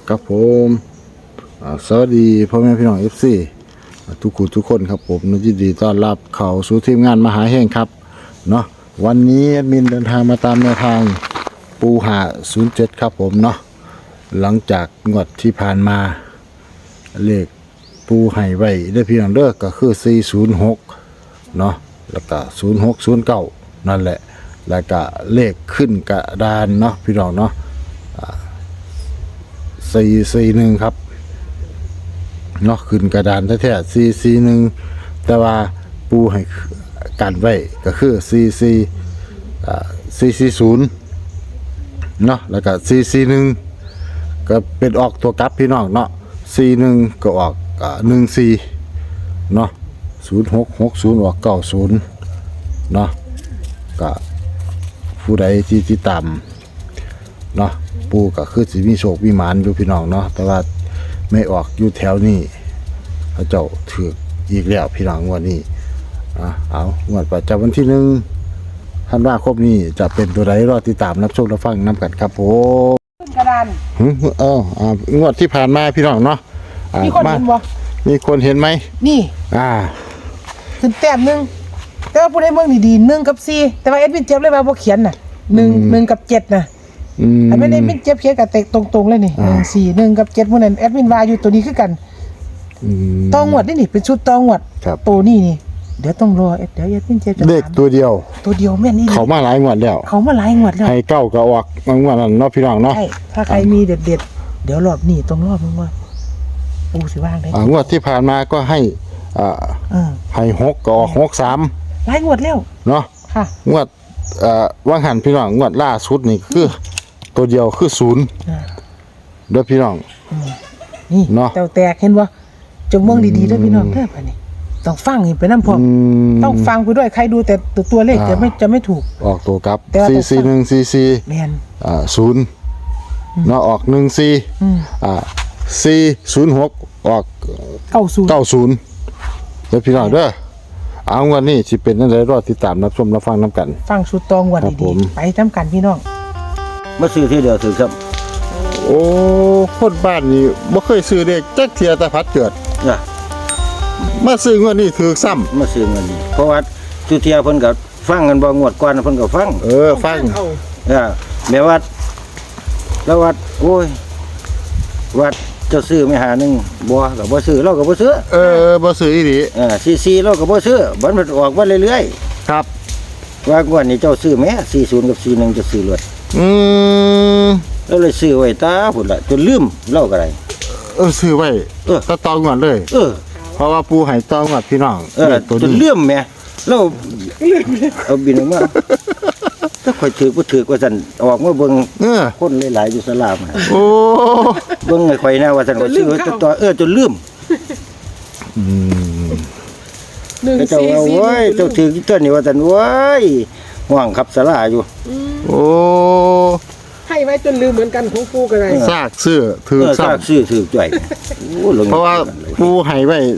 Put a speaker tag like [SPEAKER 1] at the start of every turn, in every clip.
[SPEAKER 1] ครับผมสวัสดีพ่อแม่พี่น้องFCทุกคนครับผมยินดีต้อนรับเข้าสู่ทีมงานมหาแห่งครับเนาะวันนี้แอดมินเดินทางมาตามแนวทางปูหา07ครับผมเนาะหลังจากงวดที่ผ่านมาเลขปูให้ไว้ได้พี่น้องเด้อก็คือ406เนาะแล้วก็0609นั่นแหละแล้วก็เลขขึ้นกระดานเนาะพี่น้องเนาะ441ครับเนาะขึ้นกระดานแท้ๆ441แต่ว่าปูให้กันไว้ก็คือ440เนาะแล้วก็441ก็เป็นออกตัวกลับพี่น้องเนาะ41ก็ออก14เนาะ0660ออก90เนาะก็ผู้ใดที่ติดตามเนาะปูก็คือสิมีโชคมีหมานอยู่พี่น้องเนาะแต่ว่าไม่ออกอยู่แถวนี้เขาเจ้าถืออีกแล้วพี่น้องงวดนี้เอางวดประจำวันที่1ธันวาคมนี้จะเป็นตัวใดรอติดตามรับชมรับฟังนำกันครับผม
[SPEAKER 2] กระดาน
[SPEAKER 1] งวดที่ผ่านมาพี่น้องเนาะ
[SPEAKER 2] มีคนเห็นบ่
[SPEAKER 1] มีคนเห็นไหม
[SPEAKER 2] นี่ขึ้นแต้มนึงแต่ว่าผู้ใดเมืองดีๆ1กับ4แต่ว่าเอ็ดวินเจ็บเลยว่าบ่เขียนน่ะ1กับ7น่ะอันไม่ได้มินเจ็บเขียนกับตรงๆเลยนี่1 4 1กับ7มื้อนั้นแอดมินว่าอยู่ตัวนี้คือกันตองวดนี่เป็นชุดตองวดตัวนี้นี่เดี๋ยวต้องรอเดี๋ยวแอดมินเจ็บจะ
[SPEAKER 1] เลขตัวเดียว
[SPEAKER 2] แม่นนี่
[SPEAKER 1] เขามาหลายงวดแล้วให้เก้าก็ออกงวดนั้นเนาะพี่น้องเนาะ
[SPEAKER 2] ใช่ถ้าใครมีเด็ดๆเดี๋ยวรอบนี้ต้องรอบนึงว่าปูสิว่างได้
[SPEAKER 1] งวดที่ผ่านมาก็ให้ให้6ก็ออก63
[SPEAKER 2] หลายงวดแล้ว
[SPEAKER 1] เนาะ
[SPEAKER 2] ค่ะ
[SPEAKER 1] งวดว่างหันพี่น้องงวดล่าสุดนี่คือตัวเดียวคือ0เด้อพี่น้อง
[SPEAKER 2] นี่เนาะแตกเห็นบ่จงมองดีๆเด้อพี่น้องเด้อบัดนี้ต้องฟังไปนำพร้อมต้องฟังไปด้วยใครดูแต่ตัวเลขจะไม่ถูก
[SPEAKER 1] ออกตัวกลับ44144
[SPEAKER 2] แม่น
[SPEAKER 1] 0เนาะออก14406ออก90เด้อพี่น้องเด้อเอาวันนี้สิเป็นจังได๋รอติดตามรับชมรับฟังนํกัน
[SPEAKER 2] ฟังสุดตองวันดีๆไปนำกันพี่น้อง
[SPEAKER 3] มาซื้อที่เดียวถือครับ
[SPEAKER 1] โอ้คนบ้านนี่บ่เคยซื้อเลขจักเที่ยแต่พัดเกิดมาซื้องวดนี้ถือซ้ำ
[SPEAKER 3] มาซื้อเงินนี่เพราะว่าทุเทียเพิ่นก็ฟังกันบ่งวดก่อนเพิ่นก็ฟัง
[SPEAKER 1] ฟัง
[SPEAKER 3] แม่วัดแล้ววัดโอ้ยวัดเจ้าซื้อไม่หานึงบ่ก็บ่ซื้อเราก็บ่ซื้อ
[SPEAKER 1] บ่ซื้ออีหลี
[SPEAKER 3] ซีเราก็บ่ซื้อบัดมันออกมาเรื่อย
[SPEAKER 1] ๆครับ
[SPEAKER 3] ว่างวดนี้เจ้าซื้อแม่40กับ41จะซื้อเลยแล้วเลยซื้อไว้ตาพุ่นล่ะจนลืมเล่าก็ได้
[SPEAKER 1] ซื้อไว้ก็ตองงวดเลยเพราะว่าปูให้ตองงวดพี่น้อง
[SPEAKER 3] จนลืมแม่เราเอาบินออกมาถ้าค่อยถือบ่ถือว่าซั่นออกมาเบิ่งคนหลายๆอยู่ศาลามา
[SPEAKER 1] โอ้
[SPEAKER 3] เบิ่งให้ข่อยแน่ว่าซั่นก็ซื้อตัวจนลืมเจ้าว่าโอ้ยเจ้าถือตัวนี้ว่าซั่นโอ้ยห่วงขับศาลาอยู่
[SPEAKER 1] โอ้
[SPEAKER 2] ให้ไว้จนลืมเหมือนกันของปูก็ได้
[SPEAKER 1] ซากซื้อถือ
[SPEAKER 3] ซากซื้อถือจ่อย
[SPEAKER 1] เพราะว่าปูให้ไว้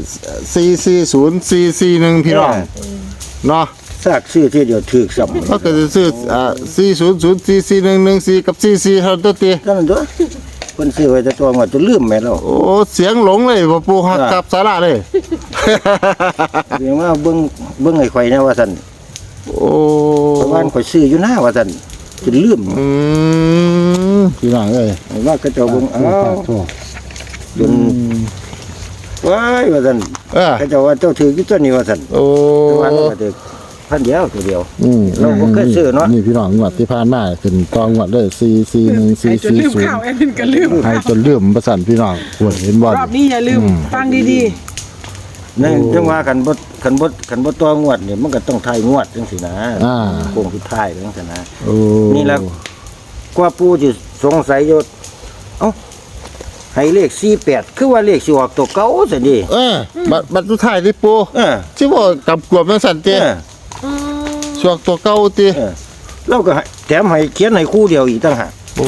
[SPEAKER 1] 440441พี่น้องเนาะ
[SPEAKER 3] ซากซื้อที่เดียวถือซ้ำ
[SPEAKER 1] ก็จะซื้อ40044114กับ44เท่าตัวติ
[SPEAKER 3] นั่นตัวเพิ่นซื้อไว้แต่ตัวว่าจนลืมแม่แล้ว
[SPEAKER 1] โอ้เสียงหลงเลยบ่ปูฮักกับศาลาเลย
[SPEAKER 3] เรียกว่าเบิ่งให้ข่อยแน่ว่าซั่น
[SPEAKER 1] โอ้
[SPEAKER 3] เพราะว่าข่อยซื้ออยู่หน้าว่าซั่นจนลืม
[SPEAKER 1] พี่น้องเอ้ย
[SPEAKER 3] ว่าก็จะเบิ่งจนว้ายว่าซั่นก็จะว่าเจ้าถืออยู่ตัวนี้ว่าซั่น
[SPEAKER 1] โอ้
[SPEAKER 3] ว่าเราก็ถือพันเดียวตัวเดียวเราบ่เคยซื้อเนาะ
[SPEAKER 1] นี่พี่น้องงวดที่ผ่านมาขึ้นตองงวดเลย4414440ให้จนลืมประสันพี่น้องเห็นบ่
[SPEAKER 2] รอบนี้อย่าลืมฟังดี
[SPEAKER 3] ๆนั่นจังว่าคันบ่ตองวดนี่มันก็ต้องทายงวดจังซี่นะโค้งสุดท้ายจังซี่นะนี่ล่ะกว่าปู่สิสงสัยอยู่เอ้าให้เลข48คือว่าเลขสิออกตัวเก่าซั่นดิ
[SPEAKER 1] บัดสุดท้ายนี่ปู่สิบ่กำกวมจังซั่นติช่วงตัวเก่าติ
[SPEAKER 3] เราก็แถมให้เขียนให้คู่เดียวอีกต่างหาก
[SPEAKER 1] โอ้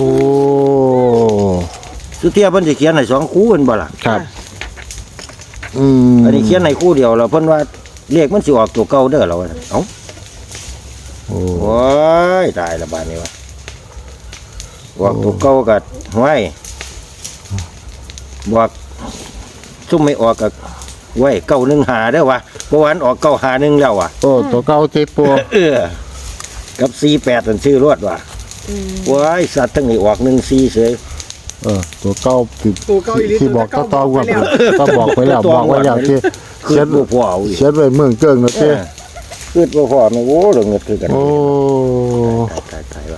[SPEAKER 3] สุเทียเพิ่นสิเขียนให้2คู่เพิ่นบ่ล่ะ
[SPEAKER 1] ครับ
[SPEAKER 3] อันนี้เขียนให้คู่เดียวแล้วเพิ่นว่าเลขมันสิออกตัวเก่าเด้อเราเอ้าโอ้ยตายละบาดนี้วะออกตัวเก่าก็ห้วยบอกซุ่มไม่ออกกับไว้915เด้อวะเพราะวาอันออก951แล้วว่ะ
[SPEAKER 1] โอ้ตัวเก่าเจ็บปู
[SPEAKER 3] กับ48นั่นชื่อรวดว่ะว้ายสัตว์ทั้งนี้ออก14เฉย
[SPEAKER 1] ตัวเก่า
[SPEAKER 2] ตัวเก่าอีหลี
[SPEAKER 1] ที่บอก
[SPEAKER 2] ตัว
[SPEAKER 1] ต่
[SPEAKER 2] เก่า
[SPEAKER 1] อว่า
[SPEAKER 2] บอกไปแล้ว
[SPEAKER 1] ก็บอกไว้แล้วที่
[SPEAKER 3] เขี
[SPEAKER 1] เขี
[SPEAKER 3] ย
[SPEAKER 1] ย
[SPEAKER 3] น
[SPEAKER 1] น
[SPEAKER 3] บ่พอเอาอีก
[SPEAKER 1] เขียนไว้เมืองเกิ้งนะเจ้
[SPEAKER 3] คือบ่พอแม่โอ้เรื่องเงินคือกัน
[SPEAKER 1] โอ้
[SPEAKER 3] ตายว่ะ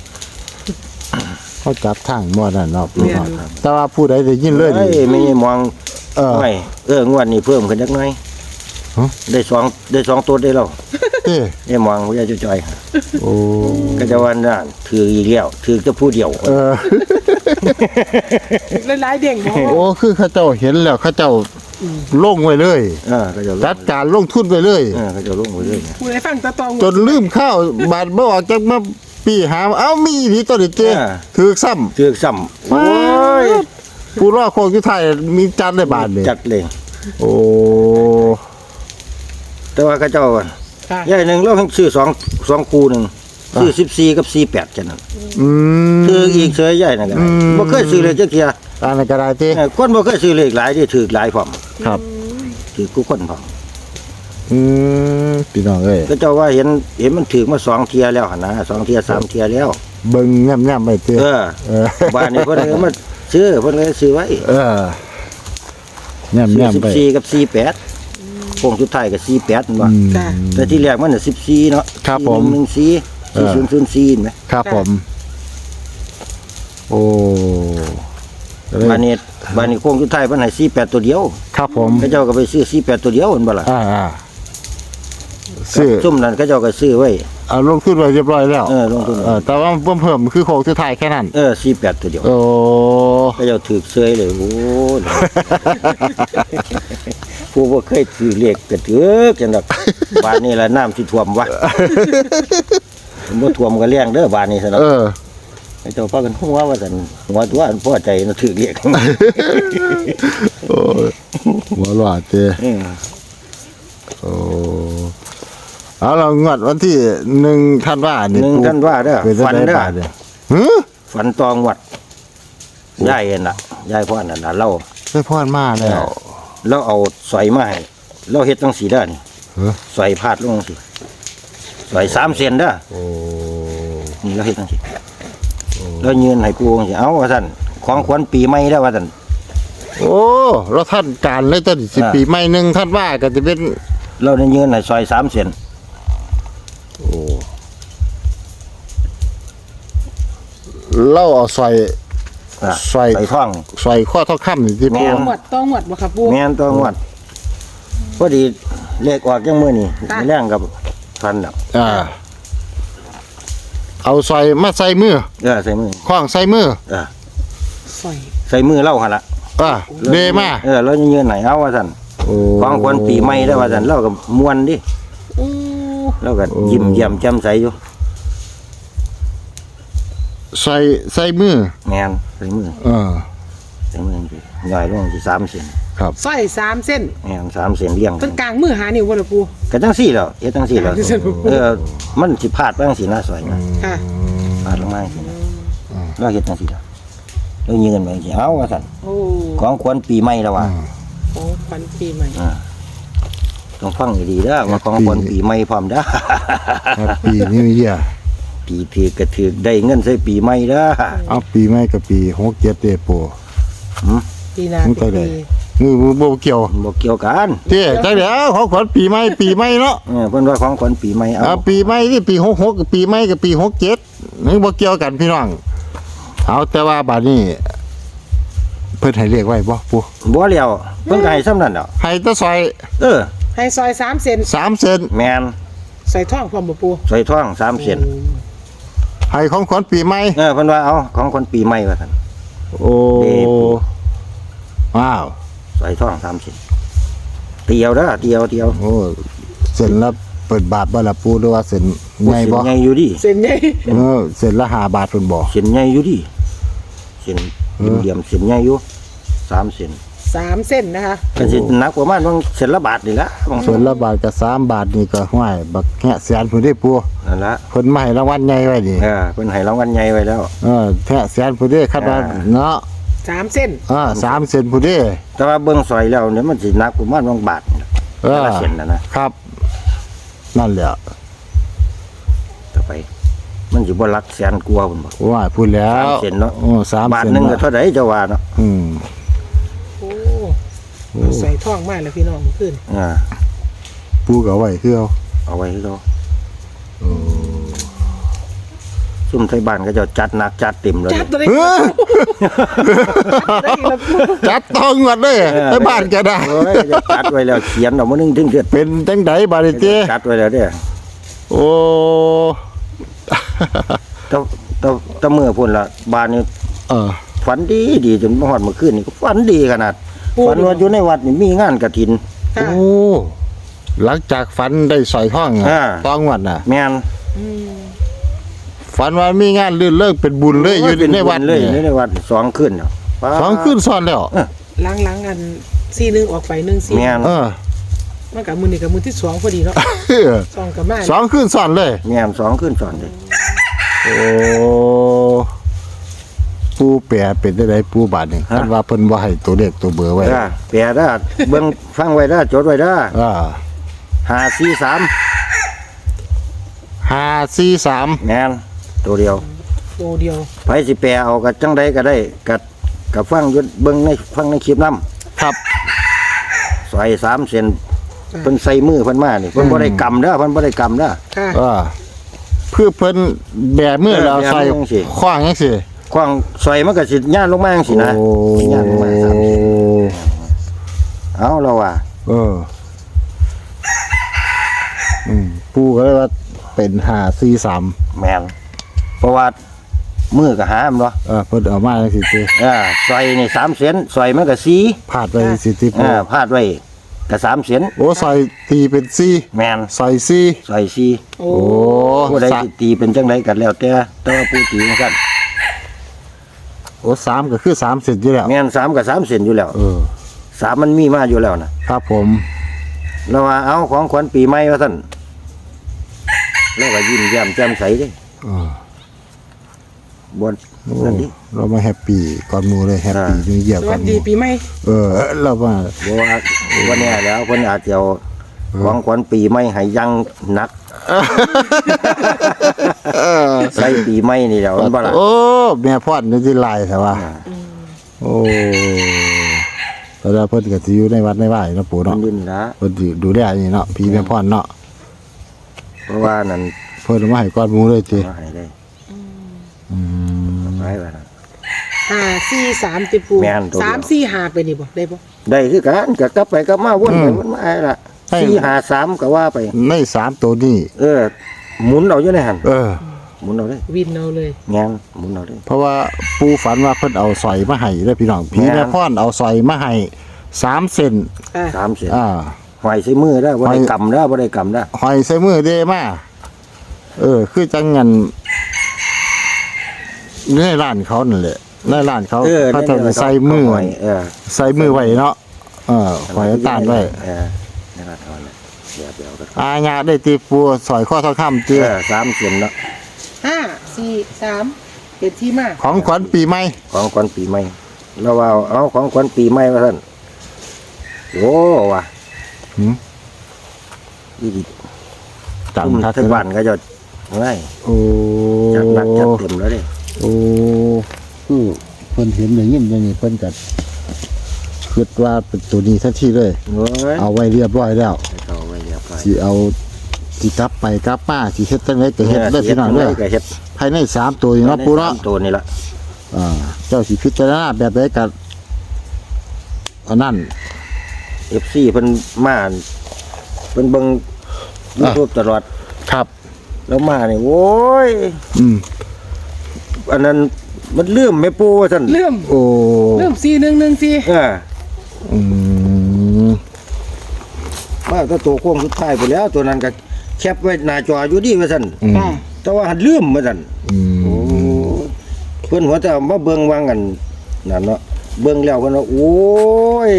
[SPEAKER 1] เขาจับทางหมดนั่นเนาะพี่น้องแต่ว่าผู้ใดได้ยินเลย
[SPEAKER 3] เอ้
[SPEAKER 1] นี่
[SPEAKER 3] ยไม่มอง
[SPEAKER 1] เออ
[SPEAKER 3] ไม่งวดนี้เพิ่มขึ้นจักหน่อย
[SPEAKER 1] ฮะ
[SPEAKER 3] ได้2ตัวได้แล้ว
[SPEAKER 1] เอ้
[SPEAKER 3] นี่มองว่าจะจ่อย
[SPEAKER 1] โอ้
[SPEAKER 3] ก็จะว่านั่นถืออีกแล้วถือจะผู้เดียว
[SPEAKER 2] หลายๆเด้งบ่
[SPEAKER 1] โอ้คือเขาเจ้าเห็นแล้วเขาเจ้าลงไว้เลย
[SPEAKER 3] ก็จะ
[SPEAKER 1] จัดการลงทุนไปเลย
[SPEAKER 3] ก็จะลงไปเรื่อย
[SPEAKER 2] ผู้ใดฟังตะตอง
[SPEAKER 1] จนลืมข้าวบาดบ่ออกจากมาปีหาเอ้ามีอีหลีตัวนี้เจ้ถือซ้ำ
[SPEAKER 3] ถือซ้ำโอ้ย
[SPEAKER 1] ผู้รอดโคงอยู่ไทยมีจัดได้บาทเลย
[SPEAKER 3] จัดเลย
[SPEAKER 1] โอ้
[SPEAKER 3] แต่ว่าก็เจ้า
[SPEAKER 2] ค่ะ
[SPEAKER 3] ใหญ่หนึ่งเราให้ซื้อ2คู่หนึ่งซื้อ14กับ48แค่นั้น
[SPEAKER 1] อืม
[SPEAKER 3] ถืออีกเฉยใหญ่นั่นก็ได้บ่เคยซื้อเลยจักเที่ย
[SPEAKER 1] อันนั้นก็ได้เจ้
[SPEAKER 3] คนบ่เคยซื้อเลขหลายที่ถือหลายพร้อม
[SPEAKER 1] ครับ
[SPEAKER 3] ถือกูคนพร้อม
[SPEAKER 1] พี่น้องเอ้ย
[SPEAKER 3] ก็เจ้าว่าเห็นมันถือมา2เที่ยแล้วหั่นนะ2เที่ย3เที่ยแล้ว
[SPEAKER 1] เบิ่งแง่มๆไปเจ้
[SPEAKER 3] เออ
[SPEAKER 1] เออ
[SPEAKER 3] บ้านนี้เพิ่นเลยมาซื้อเพิ่นเลยซื้อไว้
[SPEAKER 1] เออแง่มๆไป
[SPEAKER 3] 14กับ48โค้งสุดท้ายก็48นั่นว่า
[SPEAKER 2] ค่ะ
[SPEAKER 3] แต่ที่แรกมันน่ะ14เนาะ
[SPEAKER 1] ครับผม
[SPEAKER 3] 14 4004เห็นไหม
[SPEAKER 1] ครับผม โอ้
[SPEAKER 3] บ้านนี้โค้งสุดท้ายเพิ่นให้48ตัวเดียว
[SPEAKER 1] ครับผม
[SPEAKER 3] เขาเจ้าก็ไปซื้อ48ตัวเดียวเห็นบ่ล่ะ
[SPEAKER 1] ซื้อ
[SPEAKER 3] ซุ่มนั้นเขาเจ้าก็ซื้อไว้
[SPEAKER 1] เอาลงทุนไว้เรียบร้อยแล้ว
[SPEAKER 3] ลงทุน
[SPEAKER 1] แต่ว่าเพิ่มคือโคงสุดท้ายแค่นั้น
[SPEAKER 3] 48ตัวเดียว
[SPEAKER 1] โอ้
[SPEAKER 3] เขาเจ้าถือเซยเลยโอ้ย ผู้บ่เคยถือเลขก็ถือจังดอกบ้านนี้ละน้ำสิท่วมวะบ่ท่วมก็เลี้ยงเด้อบ้านนี้ซะเนาะ ไอ้เจ้าพากันหัวว่าซั่นหัวตัวอันพอใจนะถือเลข
[SPEAKER 1] โอ้หัวหลอดเจ้ โอ้เอาเรางวดวันที่1ธันวาคมนี่
[SPEAKER 3] 1ธันวาเด้อ
[SPEAKER 1] เป็น
[SPEAKER 3] ฝันเด้อ
[SPEAKER 1] บาทเนี่ยหือ
[SPEAKER 3] ฝันตองวัดยายเอ็นน่ะยายพ่อนั่นน่ะเรา
[SPEAKER 1] ได้พรมาแล้ว
[SPEAKER 3] เราเอาสอยมาให้เราเฮ็ดจังสีเด้อนี่
[SPEAKER 1] เหรอ
[SPEAKER 3] สอยพาดลงจังซี่สอย3เซนเด้อ
[SPEAKER 1] โอ้
[SPEAKER 3] นี่เราเฮ็ดจังซี่เรายืนให้ปู่จังซี่เอาว่าซั่นของขวัญปีใหม่เด้อว่าซั่น
[SPEAKER 1] โอ้เราท่านการเลยตั้ง10 ปีใหม่1ธันวาคมก็จะเป็น
[SPEAKER 3] เราได้ยืนให้ซอย3เซน
[SPEAKER 1] เราเอาใส่
[SPEAKER 3] อ่ะ
[SPEAKER 1] ใส่
[SPEAKER 3] ใส่ท่อง
[SPEAKER 1] ใส่ข้อทองคำนี่ที่
[SPEAKER 3] แม่
[SPEAKER 1] ปู
[SPEAKER 3] น
[SPEAKER 2] หมวดต้องหมวดบ่ครับปู
[SPEAKER 3] แม่นตัวงวดพอดีเลขออกจังมื้อนี้
[SPEAKER 2] ค่ะ
[SPEAKER 3] แรงกับฟันแล้ว
[SPEAKER 1] เอาใส่มาใส่มือ
[SPEAKER 3] ใส่มือ
[SPEAKER 1] คล้องใส่มือ
[SPEAKER 2] สอย
[SPEAKER 3] ใส่มือเล่าหั่นล่ะ
[SPEAKER 1] เดมา
[SPEAKER 3] เราจะยืนไหนเอาว่าซั่น
[SPEAKER 1] โอ้
[SPEAKER 3] ของขวัญปีใหม่ได้อว่าซั่นเราก็ม่วนดิ
[SPEAKER 2] อู้
[SPEAKER 3] เราก็ยิ้มแย้มแจ่มใสอยู่
[SPEAKER 1] ใส่มือ
[SPEAKER 3] แม่นใส่มือ ใส่มือจังซี่ย่อยลงสิ3เซน
[SPEAKER 1] ครับ
[SPEAKER 2] สร้อย3เส้น
[SPEAKER 3] แม่น3เซนเลี้ยง
[SPEAKER 2] เป็นกลางมือหานิ้วบ่ล่ะปู
[SPEAKER 3] ก็จังซี่แล้วเฮ็ดจังซี่แล้ว
[SPEAKER 2] จังซี่บ่
[SPEAKER 3] มันสิพลาดไปจังซี่นะสวยนะ
[SPEAKER 2] ค่ะ
[SPEAKER 3] พลาดลงมาจังซี่นะเราเฮ็ดจังซี่แล้วเรายืนไว้จังซี่เอาว่าซั่น
[SPEAKER 2] โอ้
[SPEAKER 3] ของขวัญปีใหม่แล้วว่า
[SPEAKER 2] ของขวัญปีใหม่
[SPEAKER 3] ต้องฟังให้ดีเด้อว่าของขวัญปีใหม่พร้อมเด้อ
[SPEAKER 1] ปีนี้เยีย
[SPEAKER 3] ปีถือกระถือได้เงินใส่ปีใหม่เด้อ
[SPEAKER 1] เอาปีใหม่กับปี67เด้ปู
[SPEAKER 2] ปีหน้า
[SPEAKER 1] มัน
[SPEAKER 2] เป็
[SPEAKER 1] ก็
[SPEAKER 2] น
[SPEAKER 1] ได้
[SPEAKER 2] ปี
[SPEAKER 1] มือบ่เกี่ยว
[SPEAKER 3] บ่เกี่ยวกัน
[SPEAKER 1] เจ้จังได๋ของขวัญปีใหม่เนาะ
[SPEAKER 3] เพิ่นว่าของขวัญปีใหม่เอา
[SPEAKER 1] ปีใหม่นี่ปี66กับปีใหม่กับปี67นี่บ่เกี่ยวกันพี่น้องเอาแต่ว่าบัดนี้เพิ่นให้เรียกไว้บ่ปู
[SPEAKER 3] บ่แล้วเพิ่นก็ให้ซ้ำนั่นดอก
[SPEAKER 1] ให้แตะซอย
[SPEAKER 2] ให้ซอย3เส้น
[SPEAKER 1] 3เซน
[SPEAKER 3] แม่น
[SPEAKER 2] ใส่ท่องพร้อมบ่ปู
[SPEAKER 3] ใส่ทอง3เส้น
[SPEAKER 1] ให้ของขวัญปีใหม่
[SPEAKER 3] เพิ่นว่าเอาของขวัญปีใหม่ว่าซั่น
[SPEAKER 1] โอ้ว้าว
[SPEAKER 3] ใส่ทอง3เส้นเตียวเด้อเตียว
[SPEAKER 1] โอ้เส้นละเปิดบาทบ่ล่ะปูหรือว่าเส้นใหญ่บ่
[SPEAKER 3] เส้นใหญ่อยู่ดิ
[SPEAKER 2] เส้นใหญ่
[SPEAKER 1] เส้นละ5บาทเพิ่นบ่
[SPEAKER 3] เส้นใหญ่อยู่ดิเส้นเหลี่ยมๆเส้นใหญ่อยู่3เส้น
[SPEAKER 2] 3เส้นนะคะ
[SPEAKER 3] ก็สิหนักประมาณว่าเส้นละบาทนี่ละบาง
[SPEAKER 1] เส้นละบาทกับ3บาทนี่ก็ห้วยบักแหะแสนพุ่นได้ปู
[SPEAKER 3] นั่นละ
[SPEAKER 1] เพิ่นมาให้รางวัลใหญ่ไว้นี่
[SPEAKER 3] เพิ่นให้รางวัลใหญ่ไว้แล้ว
[SPEAKER 1] แหะแสนพุ่นได้คาดว่าเนาะ
[SPEAKER 2] 3 เส้น
[SPEAKER 1] 3 เซนพุ่นเด้
[SPEAKER 3] แต่ว่าเบิ่งซอยแล้วเนี่ยมันสิหนักประมาณบาทนี่ล่ะแต่ละเส้นนะครับ
[SPEAKER 1] นั่นแหละ
[SPEAKER 3] ต่อไป มันสิบ่หลักแสนกว่าพุ่นบ่
[SPEAKER 1] ว่าพูดแล้ว
[SPEAKER 3] 3 เส้นเนาะ
[SPEAKER 1] 3
[SPEAKER 3] บาท
[SPEAKER 1] เซน
[SPEAKER 3] หนึงก็เท่าใดเจ้าว่าเนาะ
[SPEAKER 2] โอ้เอาใส่ท่องมาแล้วพี่น้องขึ้น
[SPEAKER 1] ปูก็เอาไว้คือเอา
[SPEAKER 3] เอาไว้ให้เขาซุ่มไทยบ้านก็จะจัดหนักจัดเต็มเลย
[SPEAKER 2] จัดตัวนี้
[SPEAKER 1] เฮ้ย
[SPEAKER 2] ได้อีกแล้ว
[SPEAKER 1] จัดต้องวัดเลยไปบ้านแกได้
[SPEAKER 3] โอ้ยจะจัดไว้แล้วเขียนเอามานึงถึงเดือด
[SPEAKER 1] เป็นจังไดบาดนี้เจ้
[SPEAKER 3] จัดไว้แล้วเด้อ
[SPEAKER 1] โอ้
[SPEAKER 3] ตะเมื่อพุ่นละบ้านนี่
[SPEAKER 1] เออ
[SPEAKER 3] ฝันดีจนมาฮอดเมื่อคืนนี่ก็ฝันดีขนาดฝันว่าอยู่ในวัดนี่มีงานกฐิน
[SPEAKER 1] โอ้หลังจากฝันได้สอยห้อง
[SPEAKER 3] อ่า
[SPEAKER 1] ต้องวัดน่ะ
[SPEAKER 3] แม่น
[SPEAKER 1] ฝันว่ามีงานลื่นเลิกเป็นบุญเลยอยู่ในวัด
[SPEAKER 3] เลย
[SPEAKER 1] นี่
[SPEAKER 3] ในวัด2คืนเนาะ
[SPEAKER 1] 2 คืนซ้อนแล้ว
[SPEAKER 2] ล้างอัน4-1ออกไป1-4
[SPEAKER 3] แม่น
[SPEAKER 2] มันกับมือนี่กับมือที่2พอดีเนาะ2กับมา
[SPEAKER 1] 2 คืนซ้อนเลย
[SPEAKER 3] แม่น2คืนซ้อนเลย
[SPEAKER 1] โอ้ปูแปรเป็นได้ปูบาทนี่คันว่าเพิ่นบ่ให้ตัวเลขตัวเบอร์ไว้
[SPEAKER 3] แปลได้เบิ่งฟังไว้ได้จดไว้ได้
[SPEAKER 1] 543
[SPEAKER 3] แม่นตัวเดียว
[SPEAKER 2] ตัวเดียว
[SPEAKER 3] ไผสิแปลเอากับจังใดก็ได้กับฟังอยุดเบิ่งในฟังในคลิปนำ
[SPEAKER 1] ครับ
[SPEAKER 3] ใส่3เซนเพิ่นใส่มือเพิ่นมานี่เพิ่นบ่ได้กำเด้อเพิ่นบ่ได้กำเด้อ
[SPEAKER 2] ค่ะ
[SPEAKER 1] เพื่อเพิ่นแบมือแล้วใส่
[SPEAKER 3] แบมือจังสิ
[SPEAKER 1] ขว้างจังซี่
[SPEAKER 3] ควางใส่มันก็สิย่านลงมาจังซี่นะย่านลงมา3เซนเอาแล้วว่า
[SPEAKER 1] ปูก็เลยว่าเป็น543
[SPEAKER 3] แม่นเพราะว่ามือก็หามเนาะ
[SPEAKER 1] เพิ่นเอามาจังซี่ติ
[SPEAKER 3] ใส่นี่3เซนใส่มันก็4
[SPEAKER 1] พาดไว้สิติปู
[SPEAKER 3] พาดไว้ก็3เซน
[SPEAKER 1] โอ้ใส่ตีเป็น4
[SPEAKER 3] แม่น
[SPEAKER 1] ใส่4
[SPEAKER 3] ใส่4
[SPEAKER 2] โอ้
[SPEAKER 1] โอ้
[SPEAKER 3] ผู้ใดสิตีเป็นจังไดก็แล้วแต่ว่าผู้ตีจังซั่น
[SPEAKER 1] โอ้3ก็คือ3เซนอยู่แล้ว
[SPEAKER 3] แม่น3กับ3เซนอยู่แล้ว3มันมีมาอยู่แล้วนะครับ
[SPEAKER 1] ผม
[SPEAKER 3] แล้วว่าเอาของขวัญปีใหม่ว่าซั่นแล้วก็ยิ้มแย้มแจ่มใสเด้
[SPEAKER 1] เออ
[SPEAKER 3] บ่
[SPEAKER 1] โอ้
[SPEAKER 3] นั่นดิ
[SPEAKER 1] เรามาแฮปปี้ก่อนหมู่เลยแฮปปี้นิวเยียร์
[SPEAKER 2] ส
[SPEAKER 1] ก่
[SPEAKER 2] วั
[SPEAKER 1] อน
[SPEAKER 2] ส
[SPEAKER 1] ห
[SPEAKER 2] ดี
[SPEAKER 1] มู่
[SPEAKER 2] ปีใหม่
[SPEAKER 1] เรามา
[SPEAKER 3] บ่ว่าวันนี้แล้วเพิ่นอาจจะเอาของขวัญปีใหม่ให้ยังหนักใส่ปีใหม่นี่แหล้วมันบ่ล่ะ
[SPEAKER 1] โอ้แม่พอดนี่ที่ลายแต่ว่าโอ้แต่ว่าเพิ่นก็สิอยู่ในวัดในว่ายเนาะปู่
[SPEAKER 3] มั
[SPEAKER 1] เนาะ
[SPEAKER 3] นดินละ
[SPEAKER 1] เพิ่นสิดูแลนี่เนาะพี่แม่พอดเนาะ
[SPEAKER 3] เพราะว่านั่น
[SPEAKER 1] เพิ่นเอามาให้ก่อนหมู่เลยติ
[SPEAKER 3] มาให้ได้
[SPEAKER 1] อืม
[SPEAKER 3] ไว้ว่านั่น
[SPEAKER 2] 5-4-3ติปู
[SPEAKER 3] แม่นตัวเดียว
[SPEAKER 2] 3-4-5ไปนี่บ่ได้บ่
[SPEAKER 3] ได้คือกันก็กลับไปกลับมาวนไปวนมาไอ้ล่ะ4 5 3ก็ว่าไป
[SPEAKER 1] ใน3ตัวนี้
[SPEAKER 3] หมุนเอาอยู่ในหั่น หมุนเอาได้
[SPEAKER 2] วินเอาเลย
[SPEAKER 3] งานหมุนเอาได้
[SPEAKER 1] เพราะว่าปู่ฝันว่าเพิ่นเอาสร้อยมาให้เด้อพี่น้องพี่
[SPEAKER 3] แม่
[SPEAKER 1] แม่พอดเอาสร้อยมาให้3เซน
[SPEAKER 3] 3เส้น หอยใส่มือได้บ่ได้กำได้บ่ได้กำได้
[SPEAKER 1] หอยใส่มือเด้มาคือจังงั้นในร้านเขานั่นแหละในร้านเขาเขาจะใส่มือ
[SPEAKER 3] หอย
[SPEAKER 1] ใส่มือไว้เนาะหอยตานไว้
[SPEAKER 3] ในร้านเขาเนี่ยเดี๋ยวไปเอากัน
[SPEAKER 1] อาญาได้ตีปูสอยข้อทองคำเตี้ย
[SPEAKER 3] 3เส้นเนาะ
[SPEAKER 2] 5-4-3เป็นที่มา
[SPEAKER 1] ของขวัญปีใหม่
[SPEAKER 3] ของขวัญปีใหม่แล้วว่าเอาของขวัญปีใหม่ว่าซั่นโอ้ว่ะอีดิ
[SPEAKER 1] จำทัด
[SPEAKER 3] ทั้งบ้านก็จะง่าย
[SPEAKER 1] โอ้
[SPEAKER 3] จัดหนักจัดเต็มแล้วเด้
[SPEAKER 1] โอ้เพิ่นเห็นอย่างนี้อย่างนี้เพิ่นก็คิดว่าเป็นตัวนี้ทันทีเลย
[SPEAKER 3] โอ้ย
[SPEAKER 1] เอาไว้เรียบร้อยแล้ว
[SPEAKER 3] เอาไว้เรียบร้อย
[SPEAKER 1] สิเอาสิกลับไปกลับมาสิเฮ็ดจังไดก็เฮ็ดได้อพี่น้องเด้อ
[SPEAKER 3] ก็เฮ็ด
[SPEAKER 1] ภายใน3ตัวนี่เนาะปูเนาะ
[SPEAKER 3] ตัวนี่ล่ะ
[SPEAKER 1] เจ้าสิพิจารณาแบบใดก็อันนั้น
[SPEAKER 3] FC เพิ่นมาเพิ่นเบิ่ง YouTube ตลอด
[SPEAKER 1] ครับ
[SPEAKER 3] แล้วมานี่โอ้ย อันนั้นมันลืมแม่ปูว่าซั่น
[SPEAKER 2] เริ่ม
[SPEAKER 1] โอ้
[SPEAKER 2] 4114
[SPEAKER 1] อืม
[SPEAKER 3] ว่าถ้าตัวโค้งสุดท้ายไปแล้ว ตัวนั้นก็แคปไว้หน้าจออยู่ดีว่าซั่น
[SPEAKER 2] ค่ะ
[SPEAKER 3] แต่ว่าหันลืมว่าซั่น
[SPEAKER 1] อืม
[SPEAKER 3] เพิ่นหัวแต่มาเบิ่งวางกันนั่นเนาะเบิ่งแล้วเพิ่นว่าโอ้ย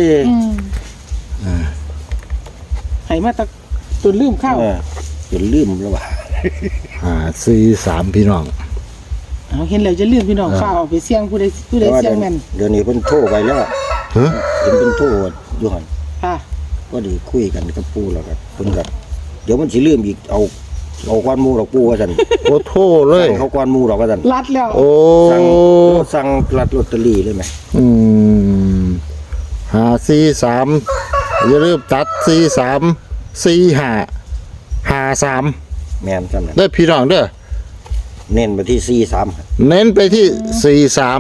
[SPEAKER 2] ให้มาตักจนลืมข้าว
[SPEAKER 3] จนลืมแล้วว่า
[SPEAKER 1] 4-3พี่น้อง
[SPEAKER 2] เอาเห็นแล้วจะลืมพี่น้องฟ้าเอาไปเสี่ยงผู้ใดเสี่ยงแม่น
[SPEAKER 3] เดี๋ยวนี้เพิ่นโทรไปแล้ว
[SPEAKER 1] ฮะ
[SPEAKER 3] เพิ่นโทรอยู่หั่น
[SPEAKER 2] ค่ะ
[SPEAKER 3] ก็ดีคุยกันกับปู่แล้วก็เพิ่นก็เดี๋ยวมันสิลืมอีกเอาก้อนหมูดอกปู่ว่าซั่น
[SPEAKER 1] โอ้โทเลย
[SPEAKER 3] เขาก้อนหมูดอกว่าซั่น
[SPEAKER 2] รัดแล้ว
[SPEAKER 1] โอ้
[SPEAKER 3] สั่งรัดลอตเตอรี่เลยไหม
[SPEAKER 1] อืม543อย่าลืมตัด434553
[SPEAKER 3] แม่นซั่นน่ะ
[SPEAKER 1] ได้พี่น้องเด้อ
[SPEAKER 3] เน้นไปที่43
[SPEAKER 1] เน้นไปที่43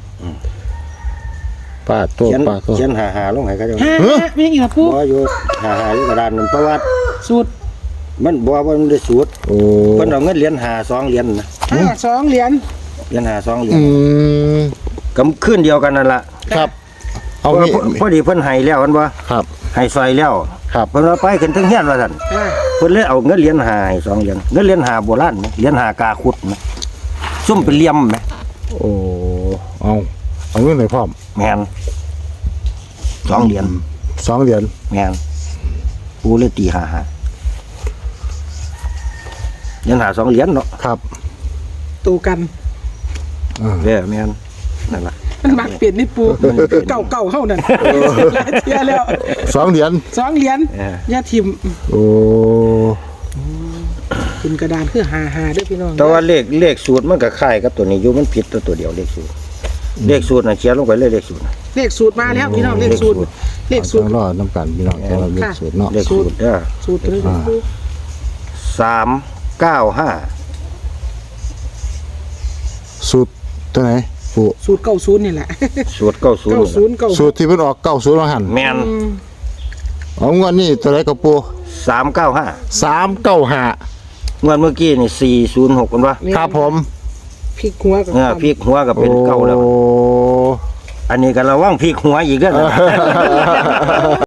[SPEAKER 1] ป้าตัว
[SPEAKER 3] เขียน
[SPEAKER 1] ป้าตัว
[SPEAKER 3] เขียนหาลงให้เขาเจ้า
[SPEAKER 2] ฮะไม่อีกละปู
[SPEAKER 3] บ่อยู่หาอยู่กระดานนั่นเพราะว่า
[SPEAKER 2] สูตร
[SPEAKER 3] มันบ่ว่ามันได้สูตร
[SPEAKER 1] โอ้
[SPEAKER 3] เพิ่นเอาเงินเหรียญ2เหรียญนะ
[SPEAKER 2] 2เหรียญ
[SPEAKER 3] เหรียญ2เหรียญ
[SPEAKER 1] อืม
[SPEAKER 3] ก็ขึ้นเดียวกันนั่นล่ะ
[SPEAKER 1] ครับเอา
[SPEAKER 3] เพราะ
[SPEAKER 1] งี้
[SPEAKER 3] พอดีเพิ่นให้แล้วมันบ่
[SPEAKER 1] ครับ
[SPEAKER 3] ให้ซอยแล้ว
[SPEAKER 1] ครับ
[SPEAKER 3] เพิ่นเอาไปขึ้นถึงเฮียนว่าซั่น
[SPEAKER 2] อ่า
[SPEAKER 3] เพิ่นเลยเอาเงินเหรียญ5ให้2เหรียญเงินเหรียญ5โบราณไหมเหรียญ5กาขุดไหมซุ่มเป็นเหลี่ยมไหม
[SPEAKER 1] โอ้เอาเงินไหนพร้อม
[SPEAKER 3] แม่น2เหรียญ
[SPEAKER 1] 2เหรียญ
[SPEAKER 3] แม่นปูเลยตี5เหรียญ2เหรียญเนาะ
[SPEAKER 1] ครับ
[SPEAKER 2] ตูกัน
[SPEAKER 3] เด้อแม่นนั่นล่ะ
[SPEAKER 2] มันมักเปลี่ยนนี่ปูเก่าเฮานั่นหลายเที่ยแล้ว
[SPEAKER 1] 2เหรียญ
[SPEAKER 2] 2เหรียญอย่าทิ่ม
[SPEAKER 1] โอ้
[SPEAKER 2] ขึ้นกระดานคือ55เด้อพี่น้อง
[SPEAKER 3] แต่ว่าเลขสูตรมันก็คล้ายกับตัวนี้อยู่มันผิดตัวเดียวเลขสูตรน่ะเขียนลงไปเลยเลขสูตรน่ะ
[SPEAKER 2] เลขสูตรมาแล้วพี่น้องเลขสูตรเลขสูตร
[SPEAKER 1] ต้องรอน้ำกันพี่น้องต้องรอเลขสูตรเนาะ
[SPEAKER 3] เลขสูตรเด้อ
[SPEAKER 2] สูตรเลยปู
[SPEAKER 3] 395
[SPEAKER 1] สูตรตัวไหนปู่
[SPEAKER 2] สูตร90นี่แหละ
[SPEAKER 3] สูตร90
[SPEAKER 2] 90
[SPEAKER 1] สูตรที่เพิ่นออก90ว่าหั่น
[SPEAKER 3] แม่น
[SPEAKER 1] เอางวดนี้ตัวไหนกับปู่
[SPEAKER 3] 395
[SPEAKER 1] 395
[SPEAKER 3] งวดเมื่อกี้นี่406กันวะ
[SPEAKER 1] ครับผม
[SPEAKER 2] พริกหัวกับ
[SPEAKER 3] พลิกหัวก็เป็นเก้าแล้ว
[SPEAKER 1] โอ้
[SPEAKER 3] อันนี้ก็ระวังพลิกหัวอีกเด้อนะ